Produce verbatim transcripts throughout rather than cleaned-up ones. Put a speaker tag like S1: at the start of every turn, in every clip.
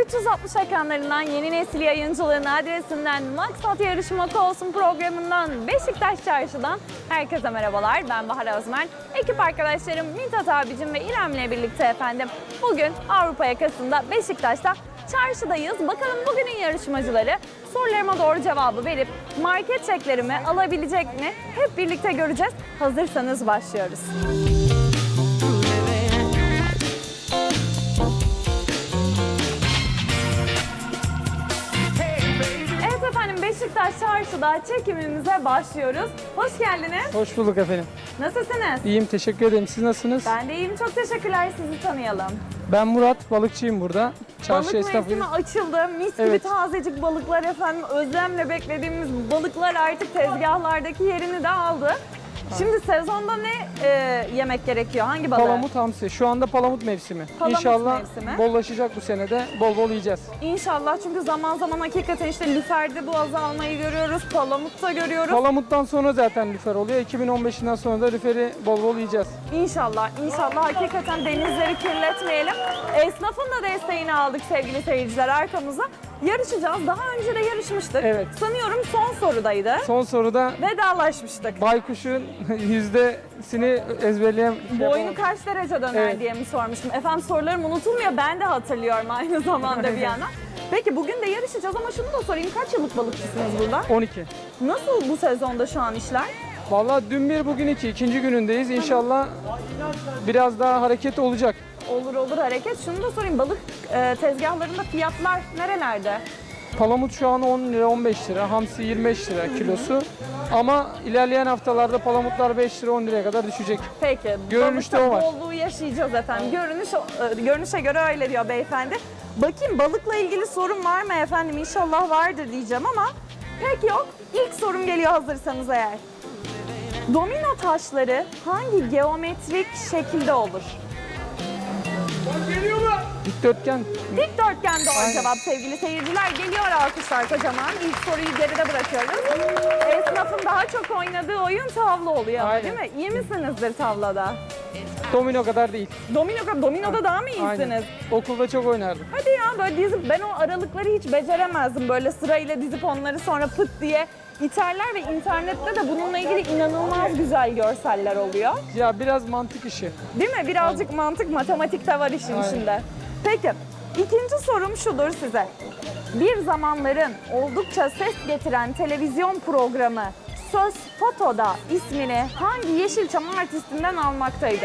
S1: üç yüz altmış ekranlarından yeni nesil yayıncılığın adresinden Maksat Yarışmak Olsun programından Beşiktaş Çarşı'dan herkese merhabalar. Ben Bahar Özmen. Ekip arkadaşlarım Mithat abicim ve İrem'le birlikte efendim bugün Avrupa yakasında Beşiktaş'ta çarşıdayız. Bakalım bugünün yarışmacıları sorularıma doğru cevabı verip market çeklerimi alabilecek mi? Hep birlikte göreceğiz. Hazırsanız başlıyoruz. Evet efendim, Beşiktaş Çarşı'da çekimimize başlıyoruz. Hoş geldiniz.
S2: Hoş bulduk efendim.
S1: Nasılsınız?
S2: İyiyim, teşekkür ederim. Siz nasılsınız?
S1: Ben de iyiyim. Çok teşekkürler. Sizi tanıyalım.
S2: Ben Murat, balıkçıyım burada. Çarşı
S1: Balık
S2: esnafıyım.
S1: mevsimi açıldı. Mis gibi
S2: Evet.
S1: tazecik balıklar efendim. Özlemle beklediğimiz balıklar artık tezgahlardaki yerini de aldı. Şimdi sezonda ne e, yemek gerekiyor? Hangi balığı?
S2: Palamut hamsi. Şu anda palamut mevsimi.
S1: Palamut
S2: İnşallah
S1: mevsimi.
S2: bollaşacak bu senede. Bol bol yiyeceğiz.
S1: İnşallah, çünkü zaman zaman hakikaten işte lüferde bu azalmayı görüyoruz. Palamutta görüyoruz.
S2: Palamuttan sonra zaten lüfer oluyor. iki bin on beşinden sonra da lüferi bol bol yiyeceğiz.
S1: İnşallah, inşallah hakikaten denizleri kirletmeyelim. Esnafın da desteğini aldık sevgili seyirciler arkamıza. Yarışacağız. Daha önce de yarışmıştık.
S2: Evet.
S1: Sanıyorum son sorudaydı.
S2: Son soruda
S1: Vedalaşmıştık.
S2: baykuşun yüzdesini ezberleyen...
S1: Boynu kaç derece döner
S2: Evet.
S1: diye mi sormuştum. Efendim sorularım unutulmuyor. Ben de hatırlıyorum aynı zamanda bir yana. Peki bugün de yarışacağız ama şunu da sorayım. Kaç yıllık balıkçısınız burada?
S2: on iki.
S1: Nasıl bu sezonda şu an işler?
S2: Vallahi dün bir, bugün iki. İkinci günündeyiz. İnşallah biraz daha hareket olacak.
S1: Olur olur hareket. Şunu da sorayım. Balık e, tezgahlarında fiyatlar nerelerde?
S2: Palamut şu an on lira, on beş lira, hamsi yirmi beş lira kilosu. Ama ilerleyen haftalarda palamutlar beş lira, on liraya kadar düşecek.
S1: Peki.
S2: Görünüşte
S1: balıkta
S2: o var.
S1: bolluğu yaşayacağız efendim. Görünüş, e, görünüşe göre öyle diyor beyefendi. Bakayım, balıkla ilgili sorun var mı efendim? İnşallah vardır diyeceğim ama pek yok. İlk sorum geliyor hazırsanız eğer. Domino taşları hangi geometrik şekilde olur?
S2: Dikdörtgen.
S1: Dikdörtgen doğru
S2: Aynen.
S1: cevap sevgili seyirciler. Geliyor alkışlar kocaman. İlk soruyu geride bırakıyoruz. Esnafın daha çok oynadığı oyun tavla oluyor ama,
S2: Aynen.
S1: değil mi? İyi misinizdir tavlada?
S2: Domino kadar değil.
S1: Domino, dominoda daha mı iyisiniz?
S2: Aynen. Okulda çok oynardım.
S1: Hadi ya, böyle dizip ben o aralıkları hiç beceremezdim. Böyle sırayla dizip onları sonra pıt diye iterler ve internette de bununla ilgili inanılmaz güzel görseller oluyor.
S2: Ya biraz mantık işi.
S1: Değil mi? Birazcık mantık, matematik de var işin
S2: Aynen.
S1: içinde. Peki, ikinci sorum şudur size. Bir zamanların oldukça ses getiren televizyon programı Söz Foto'da ismini hangi Yeşilçam artistinden almaktaydı?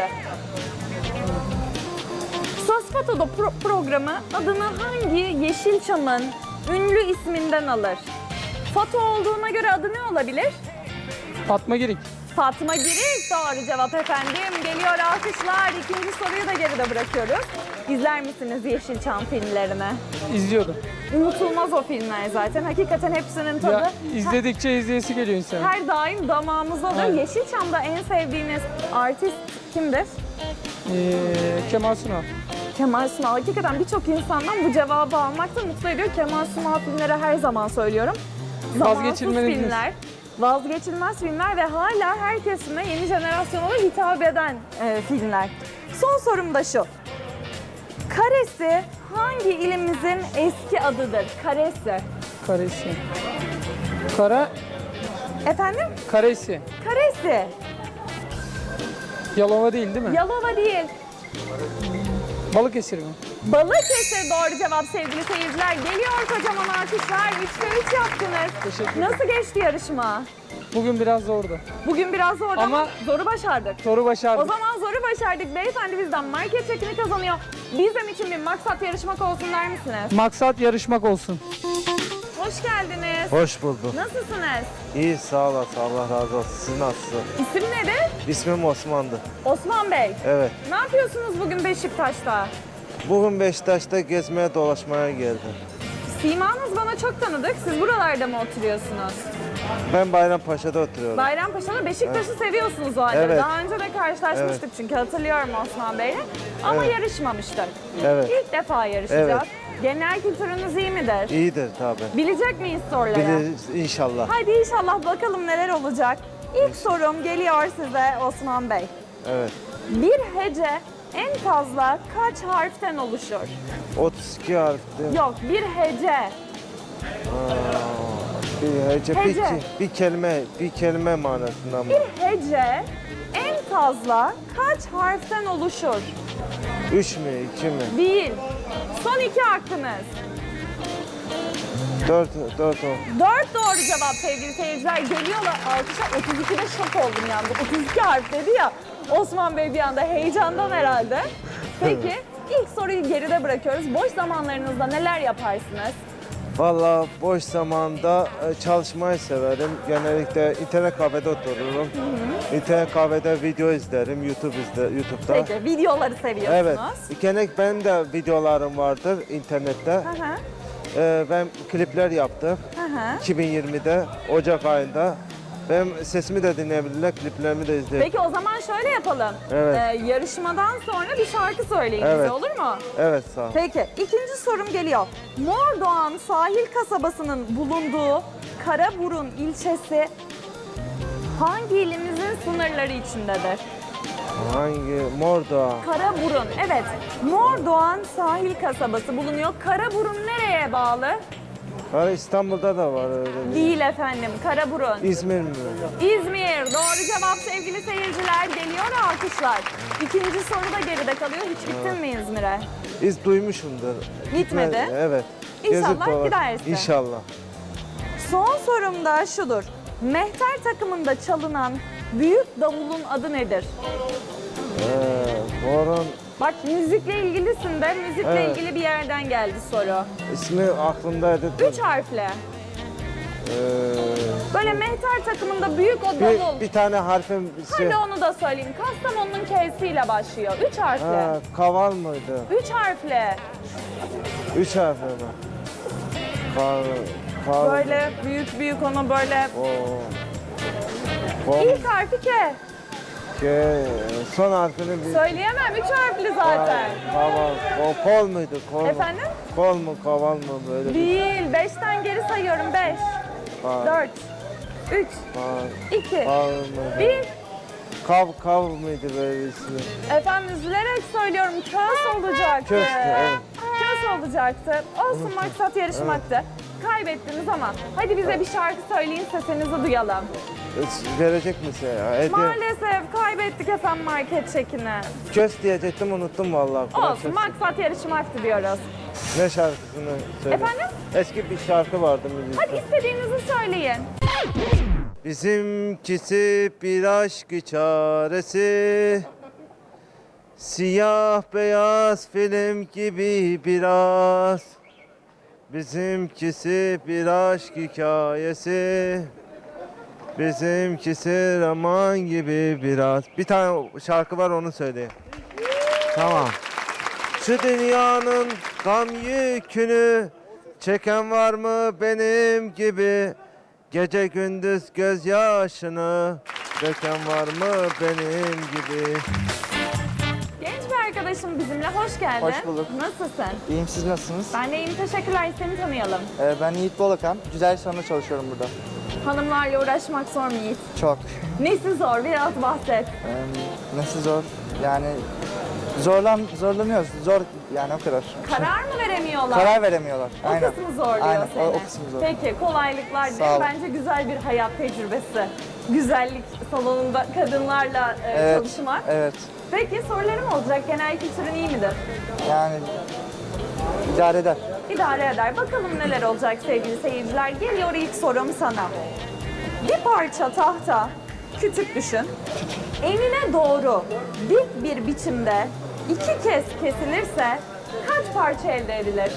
S1: Söz Foto'da pro- programı adını hangi Yeşilçam'ın ünlü isminden alır? Foto olduğuna göre adı ne olabilir?
S2: Fatma Girik.
S1: Fatma Girik doğru cevap efendim. Geliyor alkışlar. İkinci soruyu da geride bırakıyoruz. İzler misiniz Yeşilçam filmlerini?
S2: İzliyordum.
S1: Unutulmaz o filmler zaten. Hakikaten hepsinin tadı
S2: Ya izledikçe izleyesi geliyor insana.
S1: her daim damağımızda oluyor.
S2: Evet.
S1: Yeşilçam'da en sevdiğiniz artist kimdir?
S2: Ee, Kemal Sunal.
S1: Kemal Sunal. Hakikaten birçok insandan bu cevabı almak da mutlu ediyor. Kemal Sunal filmleri her zaman söylüyorum. Zamansız
S2: Vazgeçilmeniz.
S1: filmler, vazgeçilmez filmler ve hala her kesime, yeni jenerasyona da hitap eden e, filmler. Son sorum da şu. Karesi hangi ilimizin eski adıdır? Karesi.
S2: Karesi. Kara,
S1: Efendim?
S2: Karesi.
S1: Karesi.
S2: Yalova değil değil mi?
S1: Yalova değil.
S2: Balıkesir mi?
S1: Balıkesir doğru cevap sevgili seyirciler. Geliyor kocaman alkışlar. üçte üç yaptınız.
S2: Teşekkür ederim.
S1: Nasıl geçti yarışma?
S2: Bugün biraz zordu.
S1: Bugün biraz zordu ama,
S2: Ama-
S1: zoru başardık.
S2: Soru
S1: O
S2: başardık.
S1: zaman zoru başardık. Beyefendi bizden market çekini kazanıyor. Bizim için bir maksat yarışmak olsun der misiniz?
S2: Maksat yarışmak olsun.
S1: Hoş geldiniz.
S3: Hoş bulduk.
S1: Nasılsınız?
S3: İyi, sağ olasın. Allah razı olsun. Siz nasılsınız?
S1: İsim nedir?
S3: İsmim Osman'dı.
S1: Osman Bey.
S3: Evet.
S1: Ne yapıyorsunuz bugün Beşiktaş'ta?
S3: Bugün Beşiktaş'ta gezmeye dolaşmaya geldim.
S1: Simanız bana çok tanıdık. Siz buralarda mı oturuyorsunuz?
S3: Ben Bayrampaşa'da oturuyorum.
S1: Bayrampaşa'da Beşiktaş'ı seviyorsunuz o halde.
S3: Evet.
S1: Daha önce de karşılaşmıştık
S3: Evet.
S1: çünkü hatırlıyorum Osman Bey'le. Ama
S3: Evet.
S1: yarışmamıştık.
S3: Evet.
S1: İlk defa yarışacağız.
S3: Evet.
S1: Genel kültürünüz iyi midir?
S3: İyidir tabii.
S1: Bilecek miyiz soruları?
S3: Biliriz inşallah.
S1: Hadi inşallah bakalım neler olacak. İlk sorum geliyor size Osman Bey.
S3: Evet.
S1: Bir hece en fazla kaç harften oluşur?
S3: otuz iki harf değil mi?
S1: Yok, bir hece.
S3: Aa, bir hece, bir,
S1: Hece.
S3: ke- bir kelime, bir kelime manasında mı?
S1: Bir hece en fazla kaç harften oluşur?
S3: Üç mü, iki mi?
S1: Değil. Son iki hakkınız.
S3: Dört, dört o.
S1: Dört doğru cevap sevgili seyirciler. Geliyorlar alkışlar. otuz ikide şok oldum yani. otuz iki harf dedi ya. Osman Bey bir anda heyecandan herhalde. Peki ilk soruyu geride bırakıyoruz. Boş zamanlarınızda neler yaparsınız?
S3: Valla boş zamanda e, çalışmayı severim. Genellikle internet kafede otururum. İnternet kafede video izlerim, YouTube izle, YouTube'da.
S1: Peki videoları seviyorsunuz.
S3: Evet. Genellikle benim de videolarım vardır internette.
S1: Hı hı.
S3: Ee, ben klipler yaptım.
S1: Hı hı.
S3: iki bin yirmide Ocak ayında. Benim sesimi de dinleyebilirler, kliplerimi de izleyebilirler.
S1: Peki o zaman şöyle yapalım.
S3: Evet.
S1: Ee, yarışmadan sonra bir şarkı söyleyin bize,
S3: Evet.
S1: olur mu?
S3: Evet, sağ ol.
S1: Peki ikinci sorum geliyor. Mordoğan sahil kasabasının bulunduğu Karaburun ilçesi hangi ilimizin sınırları içindedir?
S3: Hangi? Mordoğan.
S1: Karaburun, evet. Mordoğan sahil kasabası bulunuyor. Karaburun nereye bağlı?
S3: Ha, İstanbul'da da var öyle bir.
S1: Değil efendim, Karaburun.
S3: İzmir mi?
S1: İzmir. Doğru cevap sevgili seyirciler. Geliyor alkışlar. İkinci soru da geride kalıyor. Hiç gittin mi İzmir'e?
S3: İz duymuşumdur.
S1: Gitmedi.
S3: Gitme- Evet.
S1: İnşallah
S3: Gezip dolaş-
S1: gidersin.
S3: İnşallah.
S1: Son sorum da şudur. Mehter takımında çalınan büyük davulun adı nedir?
S3: Ee, Boran
S1: Bak müzikle ilgilisin de müzikle
S3: Evet.
S1: ilgili bir yerden geldi soru.
S3: ismi aklımdaydı.
S1: Üç harfli.
S3: Ee,
S1: Böyle mehter takımında büyük o davul.
S3: bir, bir tane harfim şey.
S1: Hadi onu da söyleyeyim. Kastamonu'nun K'siyle başlıyor. Üç harfli.
S3: Ha, kaval mıydı?
S1: Üç harfli.
S3: Üç harfli mi? Kav, kav,
S1: Böyle büyük büyük onu böyle.
S3: O. Kol,
S1: İlk harfi K.
S3: ke, son harfini bir.
S1: Söyleyemem. Üç harfli zaten.
S3: Kaval. O kol muydu? Kol mu?
S1: Efendim?
S3: Kol mu? Kaval mı? Böyle bir.
S1: Değil. Beşten geri sayıyorum. Beş,
S3: Kav,
S1: dört, üç,
S3: kav,
S1: iki,
S3: kav mıydı?
S1: bir.
S3: Kav, kav mıydı böyle bir ismi?
S1: Efendim üzülerek söylüyorum. Kös olacaktı.
S3: Köstü, evet.
S1: Kös olacaktı. Olsun maksat yarışmaktı. Kaybettiniz ama hadi bize bir şarkı söyleyin sesinizi duyalım.
S3: E, Verecek misin ya? Hediye.
S1: Maalesef kaybettik efendim market çekini.
S3: Köst diyecektim, unuttum vallahi. Kur'an
S1: Olsun
S3: sesi.
S1: maksat yarışmaktı diyoruz.
S3: Ne şarkısını söyle.
S1: Efendim?
S3: Eski bir şarkı vardı müzikte.
S1: Hadi istediğinizi söyleyin.
S3: Bizimkisi bir aşk çaresi, siyah beyaz film gibi biraz. Bizimkisi bir aşk hikayesi, bizimkisi roman gibi biraz. Bir tane şarkı var, onu söyleyeyim. Tamam. Şu dünyanın gam yükünü çeken var mı benim gibi? Gece gündüz gözyaşını döken var mı benim gibi?
S1: Genç bir arkadaşım bizimle, hoş geldin.
S4: Hoş bulduk.
S1: Nasılsın?
S4: İyiyim, siz nasılsınız?
S1: Ben de iyiyim, teşekkürler. Seni tanıyalım.
S4: Ee, ben Yiğit Bolakan. Güzel sonunda çalışıyorum burada.
S1: Hanımlarla uğraşmak zor mu Yiğit?
S4: Çok.
S1: Nesi zor? Biraz bahset.
S4: Ee, nasıl zor? Yani zorlan zorlanıyoruz. Zor yani o kadar.
S1: Karar mı veremiyorlar?
S4: Karar veremiyorlar.
S1: O
S4: Aynen.
S1: kısmı zorluyor
S4: Aynen.
S1: seni.
S4: O, o kısmı zor.
S1: Peki kolaylıklar
S4: Sağ
S1: dilerim.
S4: ol.
S1: Bence güzel bir hayat tecrübesi. Güzellik salonunda kadınlarla e,
S4: Evet.
S1: çalışmak.
S4: Evet.
S1: Peki sorularım olacak. Genel kültürün iyi midir?
S4: Yani idare eder.
S1: İdare eder. Bakalım neler olacak sevgili seyirciler. Geliyor ilk sorum sana. Bir parça tahta, küçük düşün. Enine doğru dik bir biçimde iki kez kesilirse kaç parça elde edilir?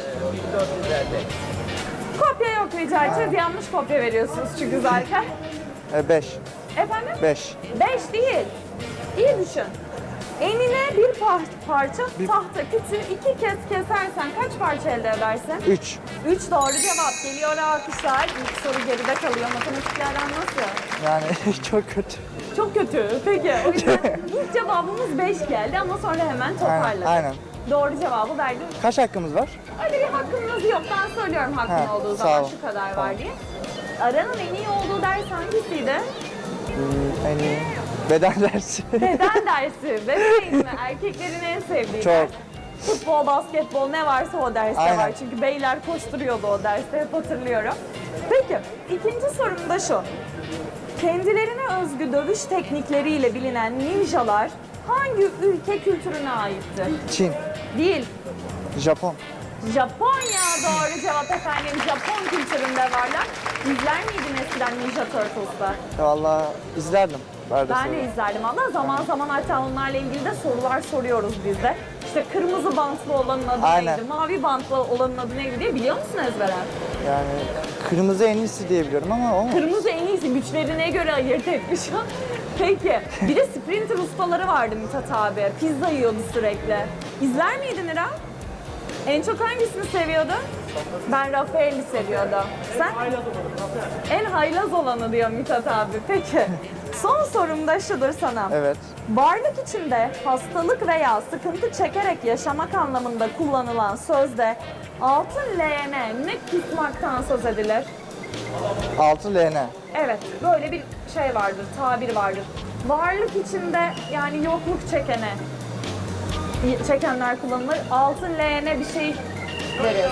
S1: Kopya yok rica edeceğiz. Yanlış kopya veriyorsunuz çünkü zaten.
S4: Ee, beş.
S1: Efendim?
S4: Beş.
S1: Beş değil. İyi düşün. Enine bir par- parça tahta küçüğü iki kez kesersen kaç parça elde edersin?
S4: Üç.
S1: Üç doğru cevap. Geliyor alkışlar. İlk soru geride kalıyor. Matematiklerden nasıl?
S4: Yani çok kötü.
S1: Çok kötü. Peki. O yüzden ilk cevabımız beş geldi ama sonra hemen toparladık.
S4: Aynen.
S1: Doğru cevabı verdim.
S4: Kaç hakkımız var?
S1: Öyle bir hakkınız yok. Ben söylüyorum hakkın
S4: Ha,
S1: olduğu
S4: sağ
S1: zaman
S4: ol.
S1: şu kadar
S4: Tamam.
S1: var diye. Aranın en iyi olduğu ders hangisiydi?
S4: Ee, en iyi. Beden dersi.
S1: Beden dersi. Bebeğin mi? Erkeklerin en sevdiği
S4: Çok.
S1: ders. Futbol, basketbol ne varsa o derste
S4: Aynen.
S1: var. Çünkü beyler koşturuyordu o derste, hep hatırlıyorum. Peki, ikinci sorum da şu. Kendilerine özgü dövüş teknikleriyle bilinen ninjalar hangi ülke kültürüne aitti?
S4: Çin.
S1: Değil.
S4: Japon.
S1: Japonya doğru cevap efendim. Japon kültüründe varlar. İzler miydin eskiden Ninja Turtles'ta?
S4: Vallahi izlerdim. Arada
S1: Ben
S4: sırada.
S1: de izlerdim ama zaman zaman hatta onlarla ilgili de sorular soruyoruz biz de. İşte kırmızı bantlı olanın adı
S4: Aynen.
S1: neydi, mavi bantlı olanın adı neydi diye biliyor musun ezberen?
S4: Yani kırmızı en iyisi diye biliyorum ama o mu?
S1: Kırmızı en iyisi, güçlerine göre ayırt etmiş o. Peki, bir de sprinter ustaları vardı Mithat abi. Pizza yiyordu sürekli. İzler miydin İrem? En çok hangisini seviyordun? Ben Rafael'i seviyordum. Sen? En haylaz olanı diyor Mithat abi. Peki. Son sorum da şudur sana.
S4: Evet.
S1: Varlık içinde hastalık veya sıkıntı çekerek yaşamak anlamında kullanılan sözde altın leğene ne kusmaktan söz edilir?
S4: altı L N.
S1: Evet, böyle bir şey vardır, tabir vardır. Varlık içinde yani yokluk çekene, çekenler kullanılır. Altın leğene bir şey deriz.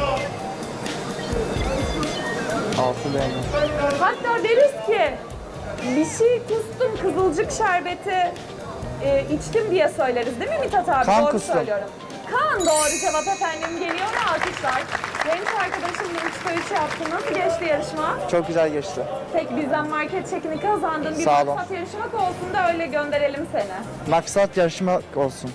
S4: altı L N.
S1: Hatta deriz ki bir şey kustum, kızılcık şerbeti e, içtim diye söyleriz değil mi Mithat abi?
S4: Kan
S1: doğru
S4: kustum.
S1: söylüyorum. Kan doğru cevap efendim, geliyor ve alkışlar. Genç arkadaşımla üçte üç yaptı. Nasıl geçti yarışma?
S4: Çok güzel geçti.
S1: Peki bizden market çekini kazandın. Bir
S4: Sağ olun.
S1: maksat yarışmak olsun da öyle gönderelim seni.
S4: Maksat yarışma olsun.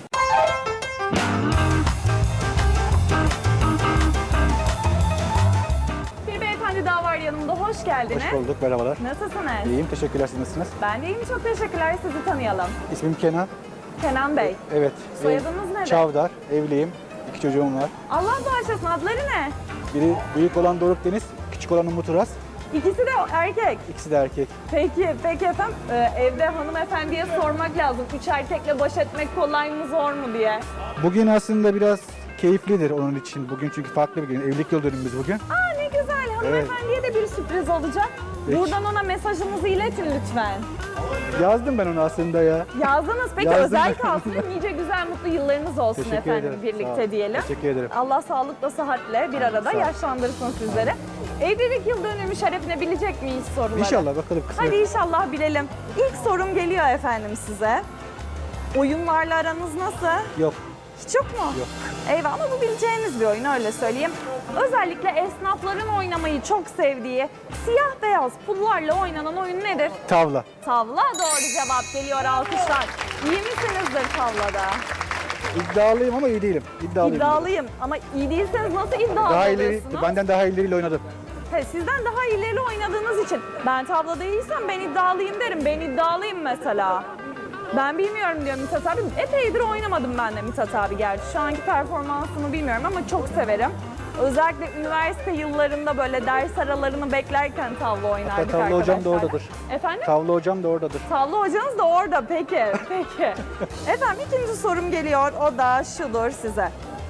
S1: Bir beyefendi daha var yanımda. Hoş geldiniz.
S5: Hoş bulduk, merhabalar.
S1: Nasılsınız?
S5: İyiyim, teşekkürler. Siz nasılsınız?
S1: Ben de iyiyim. Çok teşekkürler. Sizi tanıyalım.
S5: İsmim Kenan.
S1: Kenan Bey.
S5: Evet.
S1: Soyadınız
S5: ev-
S1: nedir?
S5: Çavdar, evliyim. İki çocuğum var.
S1: Allah bağışlasın. Adları ne?
S5: Biri büyük olan Doruk Deniz, küçük olan Umut Uras.
S1: İkisi de erkek.
S5: İkisi de erkek.
S1: Peki, peki efendim. Ee, evde hanımefendiye sormak lazım. Üç erkekle baş etmek kolay mı zor mu diye.
S5: Bugün aslında biraz keyiflidir onun için. Bugün çünkü farklı bir gün. Evlilik yıl dönümümüz bugün.
S1: Aa ne güzel. Hanımefendiye de bir sürpriz olacak.
S5: Peki.
S1: Buradan ona mesajınızı iletin lütfen.
S5: Yazdım ben onu aslında ya.
S1: Yazdınız. Peki
S5: Yazdım.
S1: özel kalsın. Nice güzel mutlu yıllarınız olsun
S5: Teşekkür
S1: efendim
S5: ederim. Sağ
S1: birlikte
S5: olun.
S1: diyelim.
S5: Teşekkür ederim.
S1: Allah sağlıkla sıhhatle bir arada
S5: Sağ ol.
S1: yaşlandırsın sizleri. Evlilik yıl dönümü şerefine bilecek miyiz soruları?
S5: İnşallah bakalım kısmet.
S1: Hadi inşallah bilelim. İlk sorum geliyor efendim size. Oyunlarla aranız nasıl?
S5: Yok.
S1: Hiç yok mu?
S5: Yok.
S1: Eyvah, ama bu bileceğiniz bir oyun, öyle söyleyeyim. Özellikle esnafların oynamayı çok sevdiği siyah beyaz pullarla oynanan oyun nedir?
S5: Tavla.
S1: Tavla doğru cevap, geliyor alkışlar. İyi misinizdir tavlada?
S5: İddialıyım ama iyi değilim. İddialıyım.
S1: İddialıyım ama iyi değilseniz nasıl iddialı
S5: Daha ileri,
S1: oluyorsunuz?
S5: benden daha ileriyle oynadım.
S1: He, sizden daha ileri oynadığınız için ben tavlada iyiysem ben iddialıyım derim. Ben iddialıyım mesela. Ben bilmiyorum diyor Mithat abi. Epeydir oynamadım ben de Mithat abi gerçi. Şu anki performansımı bilmiyorum ama çok severim. Özellikle üniversite yıllarında böyle ders aralarını beklerken tavla oynardık
S5: tavla hocam da
S1: arkadaşlarla.
S5: oradadır.
S1: Efendim?
S5: Tavla hocam da oradadır.
S1: Tavla hocanız da orada. Peki, peki. Efendim ikinci sorum geliyor. O da şudur size.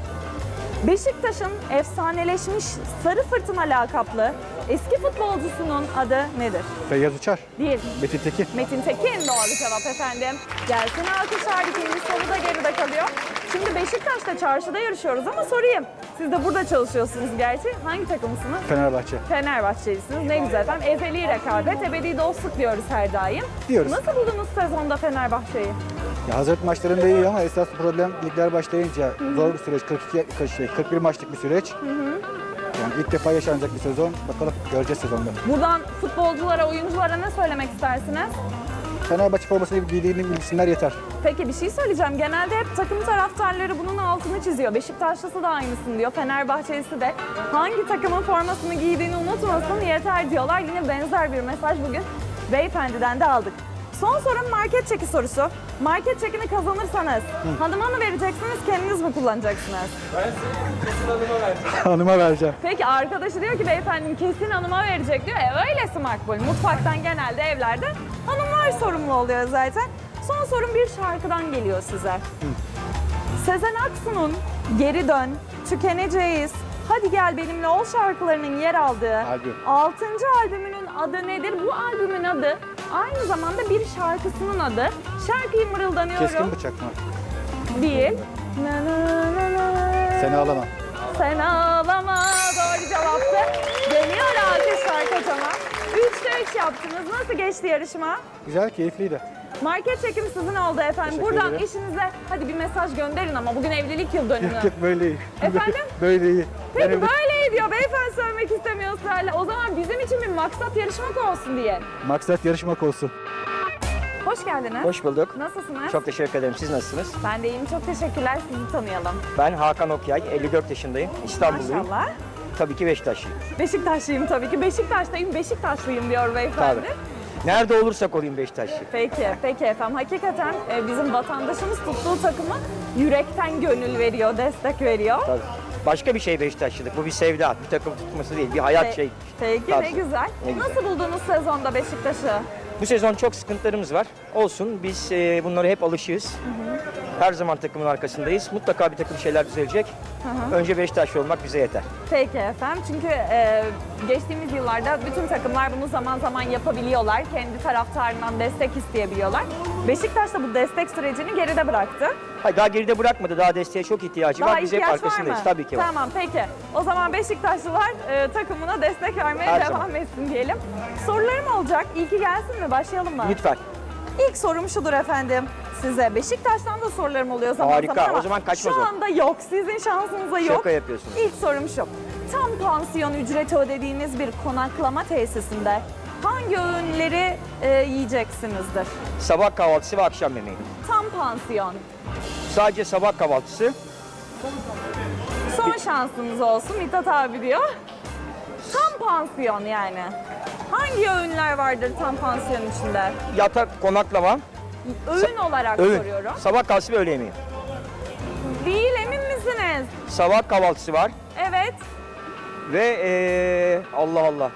S1: Beşiktaş'ın efsaneleşmiş Sarı Fırtına lakaplı eski futbolcusunun adı nedir?
S5: Feyyaz Uçar.
S1: Değil.
S5: Metin Tekin.
S1: Metin Tekin doğru cevap efendim. Gelsin alkışlar, ikinci soru da geride kalıyor. Şimdi Beşiktaş'ta çarşıda yarışıyoruz ama sorayım. Siz de burada çalışıyorsunuz gerçi. Hangi takımsınız?
S5: Fenerbahçe.
S1: Fenerbahçelisiniz. Ne güzel efendim. Ezeli rekabet, ebedi dostluk diyoruz her daim.
S5: Diyoruz.
S1: Nasıl buldunuz sezonda Fenerbahçe'yi?
S5: Ya hazırlık maçlarında iyi ama esas problem ligler başlayınca zor bir süreç. kırk iki, kırk şey, kırk bir maçlık bir süreç. Yani ilk defa yaşanacak bir sezon. Bakalım göreceğiz sezonda.
S1: Buradan futbolculara, oyunculara ne söylemek istersiniz?
S5: Fenerbahçe formasını giydiğini bilsinler yeter.
S1: Peki bir şey söyleyeceğim. Genelde hep takım taraftarları bunun altını çiziyor. Beşiktaşlısı da aynısını diyor. Fenerbahçelisi de hangi takımın formasını giydiğini unutmasın yeter diyorlar. Yine benzer bir mesaj bugün beyefendiden de aldık. Son sorum market çeki sorusu. Market çekini kazanırsanız hanıma mı vereceksiniz, kendiniz mi kullanacaksınız?
S5: Hanıma vereceğim.
S1: Peki arkadaşı diyor ki beyefendim kesin hanıma verecek diyor. E öylesi makbul. Mutfaktan genelde evlerde hanımlar sorumlu oluyor zaten. Son sorum bir şarkıdan geliyor size. Sezen Aksu'nun Geri Dön, Tükeneceğiz, Hadi Gel Benimle Ol şarkılarının yer aldığı
S5: Albüm.
S1: altıncı albümünün adı nedir? Bu albümün adı aynı zamanda bir şarkısının adı. Şarkıyı mırıldanıyorum.
S5: Keskin bıçak mı?
S1: Değil. Na na na na.
S5: Seni ağlama.
S1: Sen ağlama. Doğru cevaptı. Geliyor alkışlar kocaman. Üçte üç yaptınız. Nasıl geçti yarışma?
S5: Güzel, keyifliydi.
S1: Market çekim sizin oldu efendim.
S5: Teşekkür
S1: Buradan
S5: ederim.
S1: eşinize hadi bir mesaj gönderin ama bugün evlilik yıl dönümü.
S5: Yok yok, böyle iyi.
S1: Efendim?
S5: Böyle iyi.
S1: Peki
S5: Yani
S1: böyle diyor. Beyefendi söylemek istemiyor ısrarla. O zaman bizim için bir maksat yarışmak olsun diye.
S5: maksat yarışmak olsun.
S1: Hoş geldiniz.
S6: Hoş bulduk.
S1: Nasılsınız?
S6: Çok teşekkür ederim. Siz nasılsınız?
S1: Ben de iyiyim. Çok teşekkürler. Sizi tanıyalım.
S6: Ben Hakan Okyay, elli dört yaşındayım. İstanbulluyum.
S1: Maşallah.
S6: Tabii ki Beşiktaşlıyım.
S1: Beşiktaşlıyım tabii ki. Beşiktaş'tayım, Beşiktaşlıyım diyor beyefendi.
S6: Tabii. Nerede olursak olayım Beşiktaşlıyım.
S1: Peki, peki efendim. Hakikaten e, bizim vatandaşımız tuttuğu takıma yürekten gönül veriyor, destek veriyor.
S6: Tabii. Başka bir şey Beşiktaşlılık. Bu bir sevda, bir takım tutması değil, bir hayat
S1: Pe-
S6: şey.
S1: Peki,
S6: Tabii.
S1: ne güzel.
S6: Ne güzel.
S1: Nasıl buldunuz sezonda Beşiktaş'ı?
S6: Bu sezon çok sıkıntılarımız var. Olsun, biz e, bunlara hep alışığız. Her zaman takımın arkasındayız. Mutlaka bir takım şeyler düzelecek. Önce Beşiktaşlı olmak bize yeter.
S1: Peki efendim. Çünkü e, geçtiğimiz yıllarda bütün takımlar bunu zaman zaman yapabiliyorlar. Kendi taraftarından destek isteyebiliyorlar. Beşiktaş da bu destek sürecini geride bıraktı.
S6: Hayır, daha geride bırakmadı. Daha desteğe çok ihtiyacı
S1: Daha
S6: var. Biz hep
S1: ihtiyaç var
S6: arkasındayız.
S1: mı?
S6: Tabii ki var.
S1: Tamam peki. O zaman Beşiktaşlılar e, takımına destek vermeye
S6: Her
S1: devam
S6: zaman.
S1: etsin diyelim. Sorularım olacak. İlki gelsin mi? Başlayalım mı?
S6: Lütfen.
S1: İlk sorum şudur efendim. Size Beşiktaş'tan da sorularım oluyor zaman
S6: Harika.
S1: zaman ama
S6: O zaman kaçmaz
S1: şu
S6: o.
S1: anda yok. Sizin şansınıza yok.
S6: Şaka yapıyorsunuz.
S1: İlk sorum şu. Tam pansiyon ücreti ödediğiniz bir konaklama tesisinde hangi öğünleri e, yiyeceksinizdir?
S6: Sabah kahvaltısı ve akşam yemeği.
S1: Tam pansiyon.
S6: Sadece sabah kahvaltısı.
S1: Son şansınız olsun Mithat abi diyor. Tam pansiyon yani. Hangi öğünler vardır tam pansiyon içinde?
S6: Yatak, konaklama,
S1: Öğün olarak
S6: öğün.
S1: soruyorum.
S6: Sabah kahvaltısı ve öğle yemeği.
S1: Değil, emin misiniz?
S6: Sabah kahvaltısı var
S1: Evet.
S6: ve ee, Allah Allah.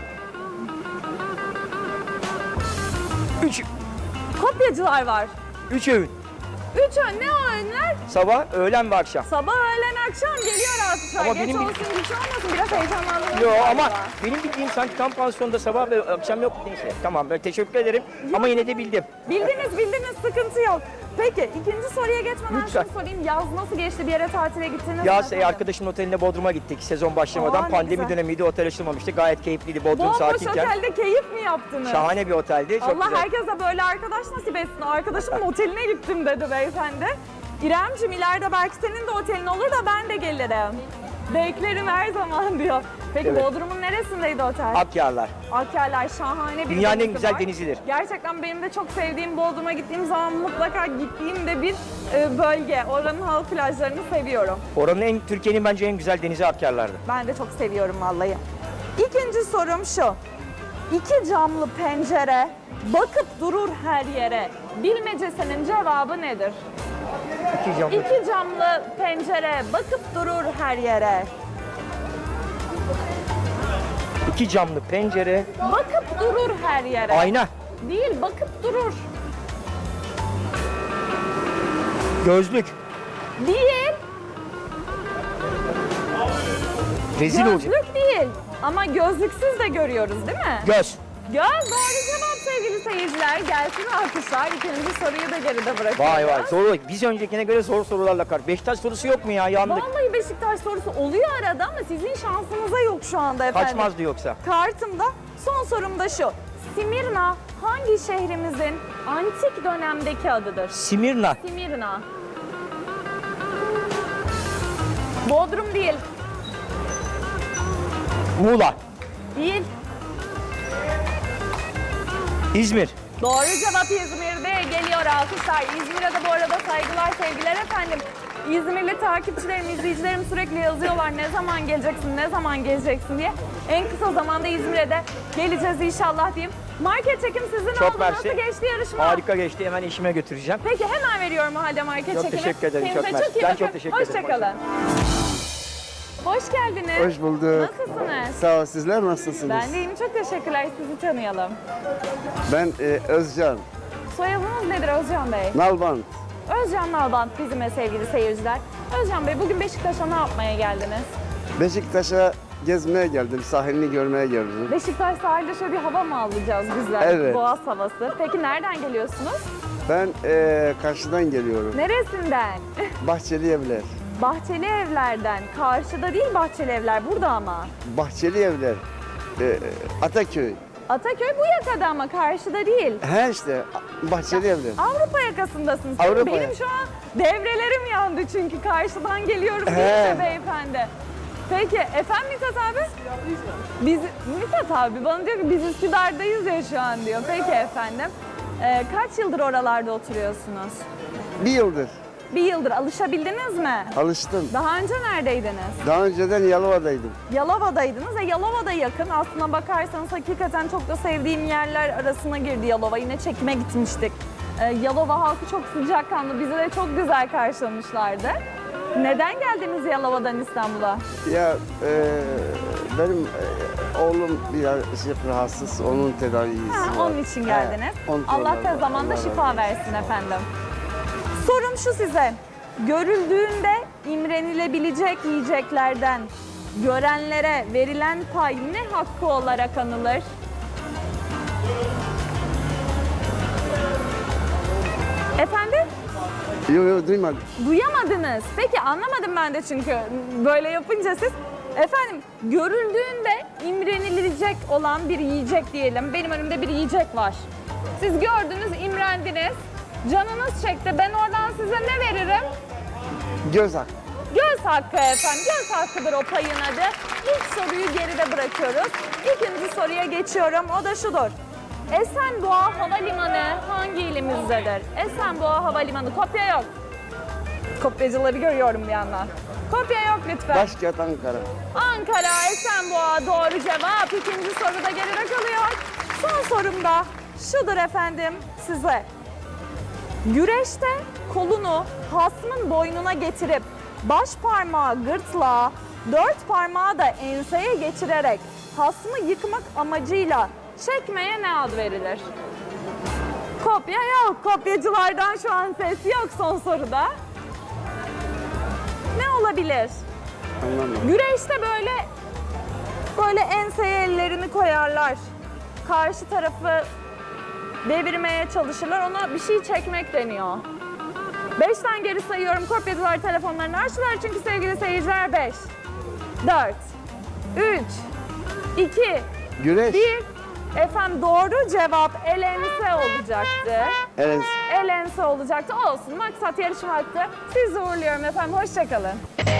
S6: Üç,
S1: Kopyacılar var.
S6: üç öğün.
S1: Üç öğün, ne o öğünler?
S6: Sabah, öğlen ve akşam.
S1: Sabah, öğlen, akşam geliyor alkışlar.
S6: Ama
S1: Geç
S6: benim bil-
S1: olsun, güç olmasın. Biraz heyecanlandınız.
S6: Yo
S1: galiba.
S6: ama benim bildiğim sanki tam pansiyonda sabah ve akşam yok. Neyse tamam, ben teşekkür ederim ama yine de bildim.
S1: Bildiniz, bildiniz. Sıkıntı yok. Peki, ikinci soruya geçmeden
S6: Lütfen.
S1: şunu sorayım. Yaz nasıl geçti? Bir yere tatile gittiniz mi
S6: Yaz
S1: efendim?
S6: arkadaşımın oteline Bodrum'a gittik sezon başlamadan.
S1: Aa, ne
S6: Pandemi
S1: güzel.
S6: dönemiydi, otel açılmamıştı. Gayet keyifliydi Bodrum
S1: Bomboş
S6: sakinken.
S1: otelde keyif mi yaptınız?
S6: Şahane bir oteldi. Çok
S1: Allah
S6: güzel.
S1: herkese böyle arkadaş nasip etsin. Arkadaşımın oteline gittim dedi beyefendi. İremciğim ileride belki senin de otelin olur da ben de gelirim. Beklerim her zaman diyor. Peki
S6: Evet.
S1: Bodrum'un neresindeydi otel?
S6: Akyarlar.
S1: Akyarlar şahane bir
S6: Dünyanın en
S1: denizi
S6: güzel
S1: var.
S6: denizidir.
S1: Gerçekten benim de çok sevdiğim Bodrum'a gittiğim zaman mutlaka gittiğim de bir e, bölge. Oranın halk plajlarını seviyorum.
S6: Oranın en Türkiye'nin bence en güzel denizi Akyarlar'dı.
S1: Ben de çok seviyorum vallahi. İkinci sorum şu. İki camlı pencere bakıp durur her yere. Bilmecesinin cevabı nedir?
S6: İki camlı.
S1: İki camlı pencere bakıp durur her yere.
S6: İki camlı pencere.
S1: Bakıp durur her yere.
S6: Ayna.
S1: Değil, bakıp durur.
S6: Gözlük.
S1: Değil,
S6: Rezil olacak.
S1: gözlük değil. Ama gözlüksüz de görüyoruz değil mi?
S6: Göz.
S1: Göz doğru cevap sevgili seyirciler. Gelsin alkışlar. İkinci soruyu da geride bırakıyoruz.
S6: Vay vay. Zor. Biz öncekine göre zor sorularla kar. Beşiktaş sorusu yok mu ya? Yandık.
S1: Vallahi Beşiktaş sorusu oluyor arada ama sizin şansınıza yok şu anda efendim.
S6: Kaçmazdı yoksa.
S1: Kartımda son sorum da şu. Simirna hangi şehrimizin antik dönemdeki adıdır?
S6: Simirna.
S1: Simirna. Bodrum değil.
S6: Muğla.
S1: Değil.
S6: İzmir.
S1: Doğru cevap İzmir'de geliyor alkışlar. İzmir'e de bu arada saygılar, sevgiler efendim. İzmirli takipçilerim, izleyicilerim sürekli yazıyorlar ne zaman geleceksin, ne zaman geleceksin diye. En kısa zamanda İzmir'e de geleceğiz inşallah diyeyim. Market çekim sizin
S6: Çok
S1: oldu.
S6: mersi.
S1: Nasıl geçti yarışma?
S6: Harika geçti. Hemen işime götüreceğim.
S1: Peki hemen veriyorum o halde market
S6: Çok
S1: çekimi.
S6: teşekkür ederim, çok
S1: Kendinize
S6: mersi.
S1: iyi
S6: Ben
S1: bakın.
S6: çok teşekkür ederim.
S1: Hoşçakalın. Hoş geldiniz.
S7: Hoş bulduk.
S1: Nasılsınız?
S7: Sağ ol, sizler nasılsınız?
S1: Ben de iyiyim. Çok teşekkürler. Sizi tanıyalım.
S7: Ben e, Özcan,
S1: Soyadınız nedir Özcan Bey?
S7: Nalbant.
S1: Özcan Nalbant bizimle sevgili seyirciler. Özcan Bey bugün Beşiktaş'a ne yapmaya geldiniz?
S7: Beşiktaş'a gezmeye geldim, sahilini görmeye geldim.
S1: Beşiktaş sahilde şöyle bir hava mı alacağız güzel?
S7: Evet.
S1: Boğaz havası. Peki nereden geliyorsunuz?
S7: Ben e, karşıdan geliyorum.
S1: Neresinden?
S7: Bahçeli Evler.
S1: Bahçeli Evler'den. Karşıda değil Bahçeli Evler, burada ama.
S7: Bahçeli Evler. E, Ataköy.
S1: Ataköy bu yakada ama karşıda değil.
S7: He işte Bahçeli Evler.
S1: Avrupa yakasındasınız.
S7: Avrupa
S1: Benim
S7: ya-
S1: şu an devrelerim yandı çünkü karşıdan geliyorum
S7: He.
S1: deyince beyefendi. Peki efendim Mithat abi? Biz, Mithat abi bana diyor ki biz Üsküdar'dayız ya şu an diyor. Peki efendim. Ee, kaç yıldır oralarda oturuyorsunuz?
S7: Bir yıldır
S1: Bir yıldır alışabildiniz mi?
S7: alıştım.
S1: Daha önce neredeydiniz?
S7: Daha önceden Yalova'daydım.
S1: Yalova'daydınız. E Yalova'da yakın. Aslına bakarsanız hakikaten çok da sevdiğim yerler arasına girdi Yalova. Yine çekime gitmiştik. Ee, Yalova halkı çok sıcakkanlı. Bizi de çok güzel karşılamışlardı. Neden geldiniz Yalova'dan İstanbul'a?
S7: Ya e, benim e, oğlum biraz şey, rahatsız, onun tedavisi
S1: Ha,
S7: var.
S1: onun için geldiniz.
S7: He, onun
S1: Allah
S7: tedavisi-
S1: tez zamanda
S7: Allah razı
S1: şifa
S7: olsun.
S1: versin efendim. Sorum şu size. Görüldüğünde imrenilebilecek yiyeceklerden görenlere verilen pay ne hakkı olarak anılır? Efendim?
S7: Yok yok duymadım.
S1: Duyamadınız. Peki anlamadım ben de çünkü böyle yapınca siz. Efendim görüldüğünde imrenilecek olan bir yiyecek diyelim. Benim önümde bir yiyecek var. Siz gördünüz, imrendiniz. Canınız çekti. Ben oradan size ne veririm?
S7: Göz hakkı.
S1: Göz hakkı efendim. Göz hakkıdır o payın adı. İlk soruyu geride bırakıyoruz. İkinci soruya geçiyorum. O da şudur. Esenboğa Havalimanı hangi ilimizdedir? Esenboğa Havalimanı. Kopya yok. Kopyacıları görüyorum bir yandan. Kopya yok lütfen.
S7: Başkent Ankara.
S1: Ankara, Esenboğa doğru cevap. İkinci soru da geride kalıyor. Son sorum da şudur efendim size. Güreşte kolunu hasmın boynuna getirip baş parmağı gırtlağa, dört parmağı da enseye geçirerek hasmı yıkmak amacıyla çekmeye ne ad verilir? Kopya yok. Kopyacılardan şu an ses yok son soruda. Ne olabilir?
S7: Anlamadım.
S1: Güreşte böyle böyle enseye ellerini koyarlar. Karşı tarafı devirmeye çalışırlar. Ona bir şey çekmek deniyor. Beşten geri sayıyorum. Kopyacılar telefonlarını açtılar çünkü sevgili seyirciler beş, dört, üç, iki,
S7: Güreş.
S1: bir. Efendim doğru cevap elense olacaktı.
S7: Evet.
S1: Elense olacaktı. Olsun. Maksat yarışmaktı. Sizi uğurluyorum efendim. Hoşçakalın.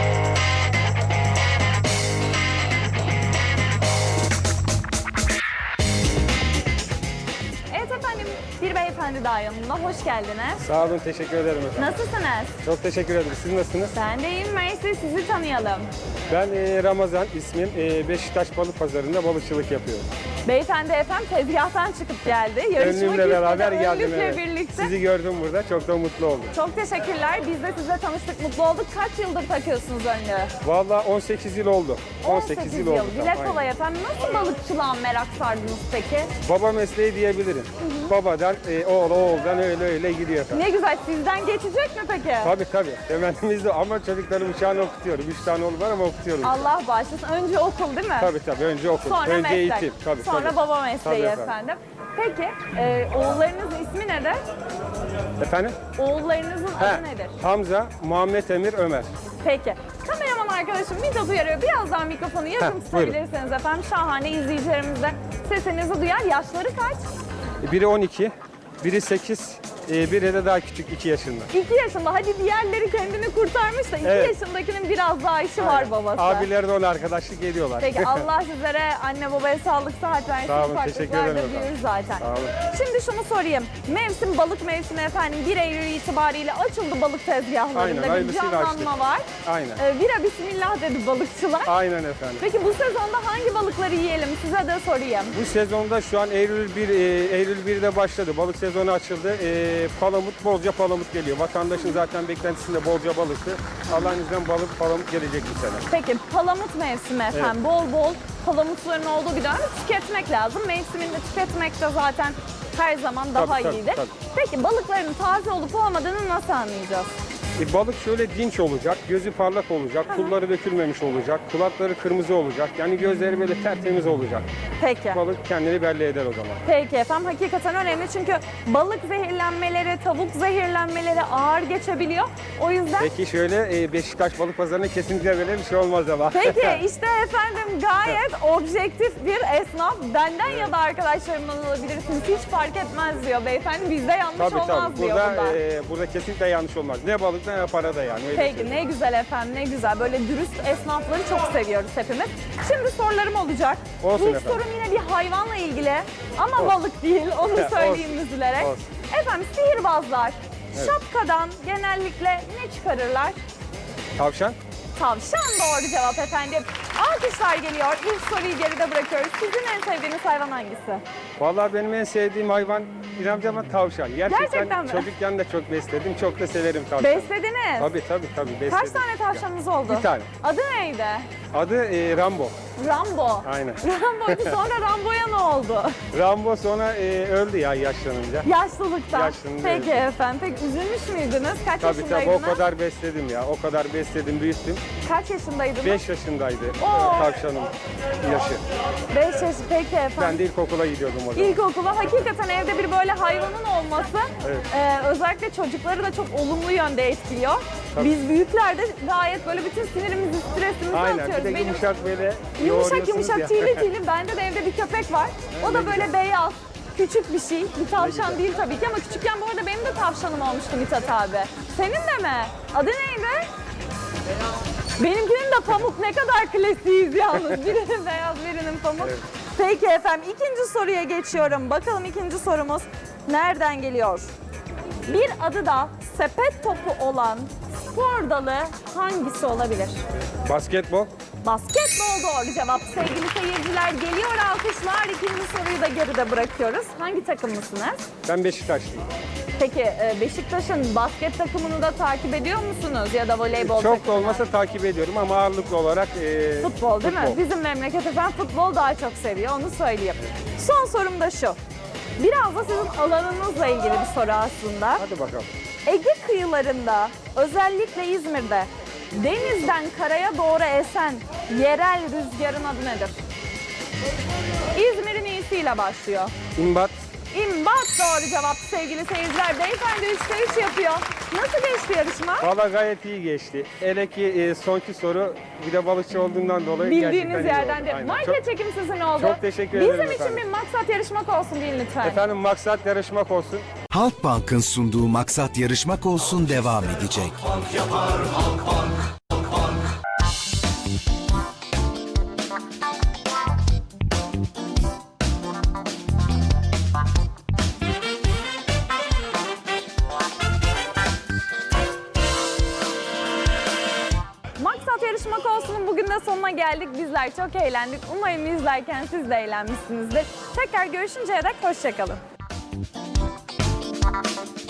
S1: Evet efendim, bir beyefendi daha yanımda. Hoş geldiniz.
S2: Sağ olun, teşekkür ederim efendim.
S1: Nasılsınız?
S2: Çok teşekkür ederim. Siz nasılsınız?
S1: Ben de iyiyim. Mersi, sizi tanıyalım.
S2: Ben e, Ramazan ismim. E, Beşiktaş Balık Pazarı'nda balıkçılık yapıyorum.
S1: Beyefendi efendim tezgahtan çıkıp geldi. Yarışmak
S2: Önlüğümle beraber
S1: istedi,
S2: geldim.
S1: önlükle
S2: Evet.
S1: birlikte.
S2: Sizi gördüm burada. Çok da mutlu oldum.
S1: Çok teşekkürler. Biz de sizle tanıştık, mutlu olduk. Kaç yıldır takıyorsunuz önlüğü?
S2: Vallahi on sekiz yıl oldu. on sekiz yıl oldu.
S1: Dile
S2: Aynen.
S1: kolay efendim. Nasıl balıkçılığa merak sardınız peki?
S2: Baba mesleği diyebilirim. Babadan, e, oğul, oğuldan öyle öyle gidiyor efendim.
S1: Ne güzel. Sizden geçecek mi peki?
S2: Tabii tabii. Temennimiz de ama çocuklarım şu an okutuyorum. Üç tane oğlum var ama okutuyorum.
S1: Allah bağışlasın. Önce okul değil mi?
S2: Tabii tabii. Önce okul.
S1: Sonra
S2: Önce
S1: meslek.
S2: eğitim. Tabii,
S1: Sonra
S2: tabii.
S1: baba mesleği
S2: Tabii
S1: efendim.
S2: efendim.
S1: Peki e, oğullarınızın ismi nedir?
S2: Efendim?
S1: Oğullarınızın
S2: He,
S1: adı nedir?
S2: Hamza, Muhammed Emir, Ömer.
S1: Peki. Kameraman arkadaşım Mithat uyarıyor. Biraz daha mikrofonu yakın
S2: Heh, buyurun.
S1: tutabilirseniz efendim. Şahane izleyicilerimiz de sesinizi duyar. Yaşları kaç?
S2: Biri on iki, biri sekiz, e, biri de daha küçük iki yaşında.
S1: iki yaşında. Hadi diğerleri kendini kurtarmış da iki
S2: Evet.
S1: yaşındakinin biraz daha işi var babası.
S2: Abiler de ona arkadaşlık ediyorlar.
S1: Peki Allah sizlere anne babaya sağlık sıhhat versin.
S2: Sağ olun, teşekkür
S1: Farklılıklar da
S2: ederim efendim.
S1: büyür zaten.
S2: Sağ olun.
S1: Şimdi şunu sorayım. Mevsim balık mevsimi efendim bir Eylül itibariyle açıldı balık tezgahlarında.
S2: Aynen,
S1: bir
S2: hayırlısıyla
S1: canlanma
S2: açtık.
S1: var.
S2: Aynen.
S1: Ee, bira bismillah dedi balıkçılar.
S2: Aynen efendim.
S1: Peki bu sezonda hangi balıkları yiyelim size de sorayım.
S2: Bu sezonda şu an Eylül bir, e, Eylül birde başladı. Balık sezonu açıldı. E, palamut, bolca palamut geliyor. Vatandaşın zaten beklentisinde bolca balıktı. Allah'ın izniyle balık, palamut gelecek bu sene.
S1: Peki palamut mevsimi efendim. Bol bol palamutların olduğu bir dönem tüketmek lazım. Mevsiminde tüketmek de zaten her zaman daha
S2: Tabii, tabii,
S1: iyidir.
S2: tabii.
S1: Peki balıkların taze olup olmadığını nasıl anlayacağız?
S2: E, balık şöyle dinç olacak, gözü parlak olacak, pulları dökülmemiş olacak, kulakları kırmızı olacak. Yani gözleri böyle tertemiz olacak.
S1: Peki.
S2: Balık kendini belli eder o zaman.
S1: Peki efendim, hakikaten önemli çünkü balık zehirlenmeleri, tavuk zehirlenmeleri ağır geçebiliyor. O yüzden
S2: Peki şöyle e, Beşiktaş Balık Pazarı'nda kesinlikle böyle bir şey olmaz ama.
S1: Peki işte efendim gayet objektif bir esnaf. Benden ya da arkadaşlarımdan alabilirsiniz. Hiç fark etmez diyor beyefendi. Bizde yanlış
S2: Tabii
S1: olmaz
S2: tabii.
S1: diyor
S2: Burada,
S1: burada.
S2: e, burada kesinlikle yanlış olmaz. Ne balık ne para da yani. Öyle
S1: Peki
S2: söyleyeyim.
S1: ne güzel efendim, ne güzel. Böyle dürüst esnafları çok seviyoruz hepimiz. Şimdi sorularım olacak.
S2: Olsun
S1: İlk
S2: efendim.
S1: sorum yine bir hayvanla ilgili ama
S2: Olsun.
S1: balık değil. Onu
S2: Olsun.
S1: söyleyeyim üzülerek.
S2: Olsun.
S1: Efendim sihirbazlar şapkadan genellikle ne çıkarırlar?
S2: Tavşan?
S1: Tavşan doğru cevap efendim. Alkışlar geliyor. İlk soruyu geride bırakıyoruz. Sizin en sevdiğiniz hayvan hangisi?
S2: Vallahi benim en sevdiğim hayvan İrem ama tavşan. Gerçekten,
S1: Gerçekten mi?
S2: çocukken de çok besledim. Çok da severim tavşanı.
S1: Beslediniz.
S2: Tabii tabii tabii besledim.
S1: Kaç tane tavşanınız oldu?
S2: Bir tane.
S1: Adı neydi?
S2: Adı e, Rambo.
S1: Rambo.
S2: Aynen.
S1: Rambo'ydu, sonra Rambo'ya ne oldu?
S2: Rambo sonra e, öldü ya yaşlanınca.
S1: Yaşlılıktan.
S2: Yaşlılığında
S1: Peki
S2: öldü.
S1: efendim. Peki üzülmüş müydünüz? Kaç
S2: Tabii tabii
S1: yaşındaydınız?
S2: o kadar besledim ya. O kadar besledim, büyüttüm.
S1: Kaç yaşındaydınız?
S2: beş yaşındaydı e,
S1: Oo.
S2: tavşanın yaşı.
S1: beş yaş. Peki efendim.
S2: Ben de ilkokula gidiyordum o zaman.
S1: İlkokula hakikaten evde bir böyle hayvanın olması
S2: Evet.
S1: e, özellikle çocukları da çok olumlu yönde etkiliyor.
S2: Tabii.
S1: Biz büyükler de gayet böyle bütün sinirimizi, stresimizi
S2: Aynen. Bir
S1: atıyoruz.
S2: de
S1: Benim
S2: yumuşak böyle
S1: yumuşak
S2: yoğuruyorsunuz
S1: yumuşak
S2: ya.
S1: tüylü tüylü. Bende de evde bir köpek var. O da böyle beyaz. Küçük bir şey. Bir tavşan değil tabii ki ama küçükken bu arada benim de tavşanım olmuştu Mithat abi. Senin de mi? Adı neydi? Benimkinin de pamuk. Ne kadar klasiğiz yalnız. Birinin beyaz, birinin pamuk.
S2: Evet.
S1: Peki efendim, ikinci soruya geçiyorum. Bakalım ikinci sorumuz nereden geliyor? Bir adı da sepet topu olan spor dalı hangisi olabilir?
S2: Basketbol.
S1: Basketbol doğru cevap. Sevgili seyirciler, geliyor alkışlar. İkinci soruyu da geride bırakıyoruz. Hangi takımlısınız?
S2: Ben Beşiktaşlıyım.
S1: Peki e, Beşiktaş'ın basket takımını da takip ediyor musunuz ya da voleybol
S2: Çok da
S1: takımını?
S2: olmasa takip ediyorum ama ağırlıklı olarak e,
S1: Futbol değil mi?
S2: futbol.
S1: Bizim memleket efendim futbol daha çok seviyor, onu söyleyeyim. Son sorum da şu. Biraz da sizin alanınızla ilgili bir soru aslında.
S2: Hadi bakalım.
S1: Ege kıyılarında, özellikle İzmir'de denizden karaya doğru esen yerel rüzgarın adı nedir? İzmir'in iyisiyle başlıyor.
S2: İmbat.
S1: İmbat doğru cevap sevgili seyirciler. Beyefendi üçte üç yapıyor. Nasıl geçti yarışma?
S2: Valla gayet iyi geçti. Hele ki e, sonki soru bir de balıkçı olduğundan dolayı gerçekten
S1: Bildiğiniz
S2: iyi
S1: yerden
S2: oldu.
S1: de.
S2: Aynen.
S1: Market
S2: Çok-
S1: çekim sizin oldu.
S2: çok teşekkür
S1: Bizim
S2: ederim
S1: için
S2: efendim.
S1: bir maksat yarışmak olsun deyin lütfen.
S2: Efendim maksat yarışmak olsun.
S8: Halkbank'ın sunduğu Maksat Yarışmak Olsun devam edecek.
S1: Maksat yarışmak olsunun bugün de sonuna geldik. Bizler çok eğlendik. Umarım izlerken siz de eğlenmişsinizdir. Tekrar görüşünceye dek hoşçakalın.